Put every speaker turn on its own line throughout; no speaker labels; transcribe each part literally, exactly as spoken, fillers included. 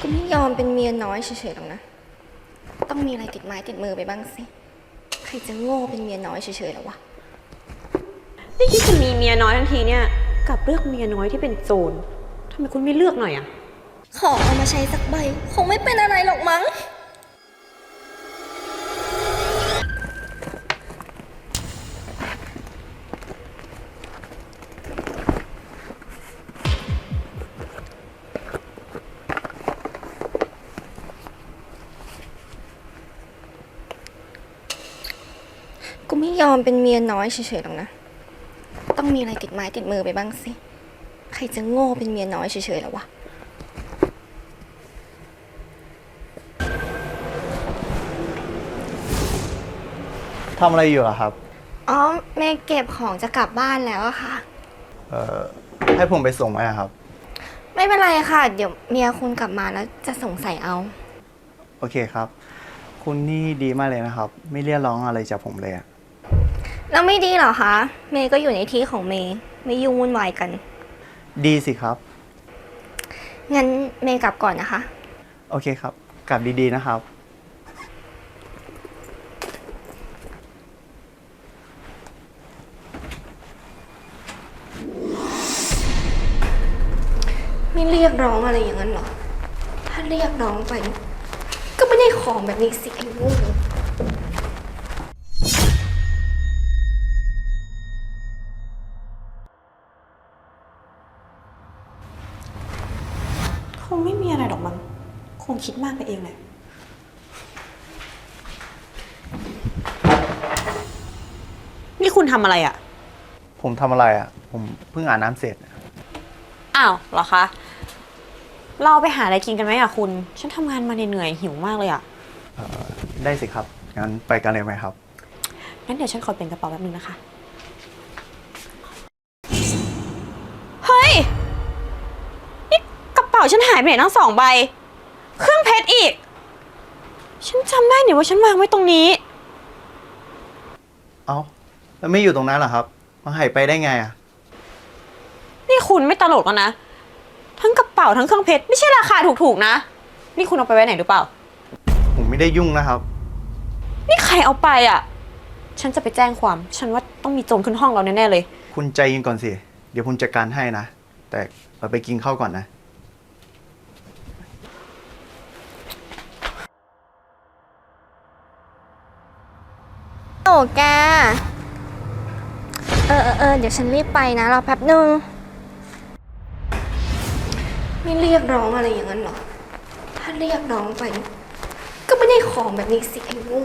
ก็ไม่ยอมเป็นเมียน้อยเฉยๆหรอกนะต้องมีอะไรติดไม้ติดมือไปบ้างสิใครจะโง่เป็นเมียน้อยเฉยๆหรอวะ
นี่คิดจะมีเมียน้อยทันทีเนี่ยกับเลือกเมียน้อยที่เป็นโจรทำไมคุณไม่เลือกหน่อยอะ
ขอเอามาใช้สักใบคงไม่เป็นอะไรหรอกมั้งกูไม่ยอมเป็นเมียน้อยเฉยๆหรอกนะต้องมีอะไรติดไม้ติดมือไปบ้างสิใครจะโง่เป็นเมียน้อยเฉยๆหรอวะ
ทำอะไรอยู่อะครับ
อ๋อแม่เก็บของจะกลับบ้านแล้วอะค่ะ
เอ่อให้ผมไปส่งไหมอะครับ
ไม่เป็นไรค่ะ เดี๋ยวเมียคุณกลับมาแล้วจะสงสัยเอา
โอเคครับคุณนี่ดีมากเลยนะครับไม่เรียกร้องอะไรจากผมเลยอะ
แล้วไม่ดีเหรอคะเมย์ก็อยู่ในที่ของเมย์ไม่ยุ่งวุ่นวายกัน
ดีสิครับ
งั้นเมย์กลับก่อนนะคะ
โอเคครับกลับดีๆนะครับ
ไม่เรียกร้องอะไรอย่างนั้นหรอถ้าเรียกร้องไปก็ไม่ได้ของแบบนี้สิไอ้โง่
คงไม่มีอะไรหรอกมั้งคงคิดมากไปเองแหละนี่คุณทำอะไรอะ
ผมทำอะไรอะผมเพิ่งอาบน้ำเสร็จ
อ้าวเหรอคะเราไปหาอะไรกินกันไหมอะคุณฉันทำงานมาเหนื่อยหิวมากเลยอะ
ได้สิครับงั้นไปกันเลยไหมครับ
งั้นเดี๋ยวฉันขอเปลี่ยนกระเป๋าแป๊บนึงนะคะเฮ้ยนี่กระเป๋าฉันหายไปไหนทั้งสองใบเครื่องเพชรอีกฉันจำได้นี่ว่าฉันวางไว้ตรงนี้
เอ้าแล้วไม่อยู่ตรงนั้นเหรอครับมาหายไปได้ไงอะ
นี่คุณไม่ตลกแล้วนะทั้งกระเป๋าทั้งเครื่องเพชรไม่ใช่ราคาถูกๆนะนี่คุณเอาไปไว้ไหนหรือเปล่า
ผมไม่ได้ยุ่งนะครับ
นี่ใครเอาไปอ่ะฉันจะไปแจ้งความฉันว่าต้องมีโจรขึ้นห้องเราแน่ๆเลย
คุณใจเย็นก่อนสิเดี๋ยวผมจัดการให้นะแต่เราไปกินข้าวก่อนนะ
โอ้แกเออเออเออเดี๋ยวฉันรีบไปนะรอแป๊บนึงไม่เรียกร้องอะไรอย่างนั้นหรอถ้าเรียกร้องไปก็ไม่ได้ของแบบนี้สิไอ้โง่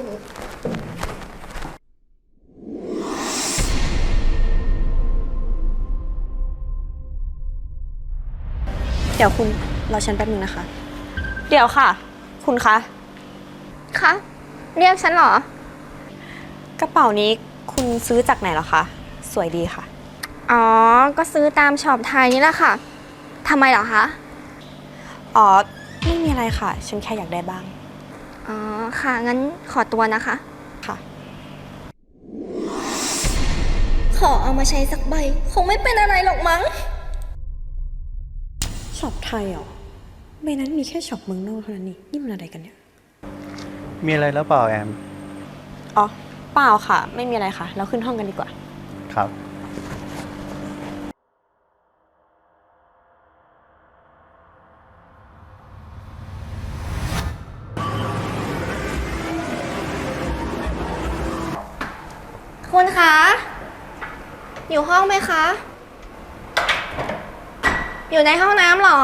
เดี๋ยวคุณรอฉันแป๊บนึงนะคะเดี๋ยวค่ะคุณคะ
คะเรียกฉันเหร
อกระเป๋านี้คุณซื้อจากไหนเหรอคะสวยดีค่ะ
อ๋อก็ซื้อตามช็อปไทยนี่แหละค่ะทำไมเหรอคะ
อ๋อไม่มีอะไรค่ะฉันแค่อยากได้บ้าง
อ๋อค่ะงั้นขอตัวนะคะ
ค่ะ
ขอเอามาใช้สักใบคงไม่เป็นอะไรหรอกมั้ง
ช็อปไทยเหรอใบนั้นมีแค่ช็อปเมืองนอกเท่านั้นนี่นี่มันอะไรกันเนี่ย
มีอะไรแล้วเปล่าแอม
อ๋อเปล่าค่ะไม่มีอะไรค่ะเราขึ้นห้องกันดีกว่า
ครับ
คุณคะอยู่ห้องไหมคะอยู่ในห้องน้ำเหรอ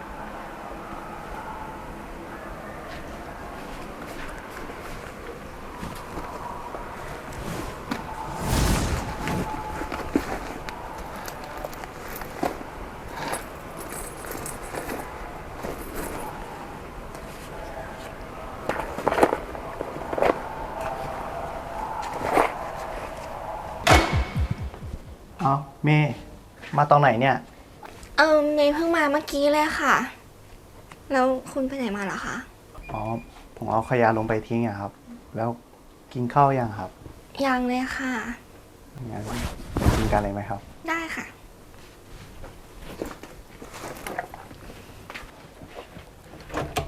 เอ้าเมย์มาตอนไหนเนี่ย
เออเมย์เพิ่งมาเมื่อกี้เลยค่ะแล้วคุณไปไหนมาเหรอคะ
อ๋อผมเอาขยะลงไปทิ้งอะครับแล้วกินข้าวยังครับ
ยังเลยค่ะ
งั้นกินกันเลยไหมครับ
ได้ค่ะ
ค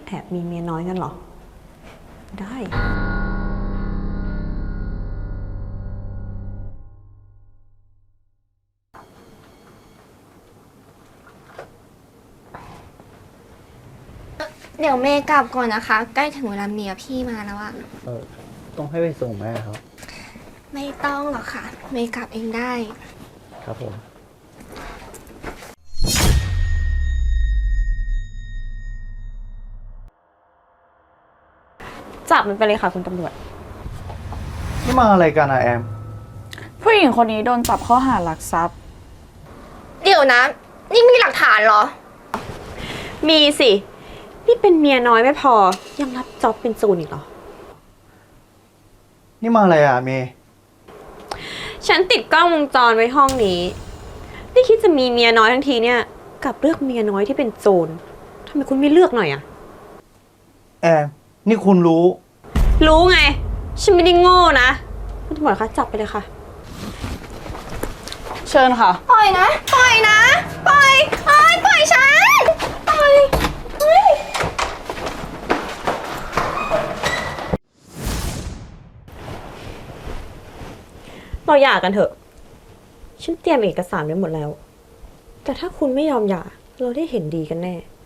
แอบมีเมียน้อยกันเหรอ ได้
เดี๋ยวเมย์กลับก่อนนะคะ ใกล้ถึงเวลาเมียพี่มาแล้วอะ
เออต้องให้ไปส่งแม่ครับ
ไม่ต้องหรอกค่ะ เมย์กลับเองได้
ครับผม
จับมันไปเลยค่ะคุณตำรวจ
นี่มาอะไรกันอะแอม
ผู้หญิงคนนี้โดนจับข้อหารักทรัพย์
เดี๋ยวนะ นี่มีหลักฐานเหรอ
มีสิ นี่เป็นเมียน้อยไม่พอ ยังรับจ็อบเป็นโจรอีกเหรอ
นี่มาอะไรอะเมย์
ฉันติดกล้องวงจรไว้ห้องนี้ นี่คิดจะมีเมียน้อยทั้งทีเนี่ยกลับเลือกเมียน้อยที่เป็นโจรทำไมคุณไม่เลือกหน่อยอะ
แอม นี่คุณรู้
รู้ไง ฉันไม่ได้โง่นะ คุณตำรวจคะจับไปเลยค่ะ
เชิญค่ะ
ปล่อยนะ ปล่อยนะ ปล่อยเอ้ยปล่อยฉัน ปล่อยเฮ้ย
เราหย่ากันเถอะ ฉันเตรียมเอกสารไว้หมดแล้ว แต่ถ้าคุณไม่ยอมหย่า เราได้เห็นดีกันแน่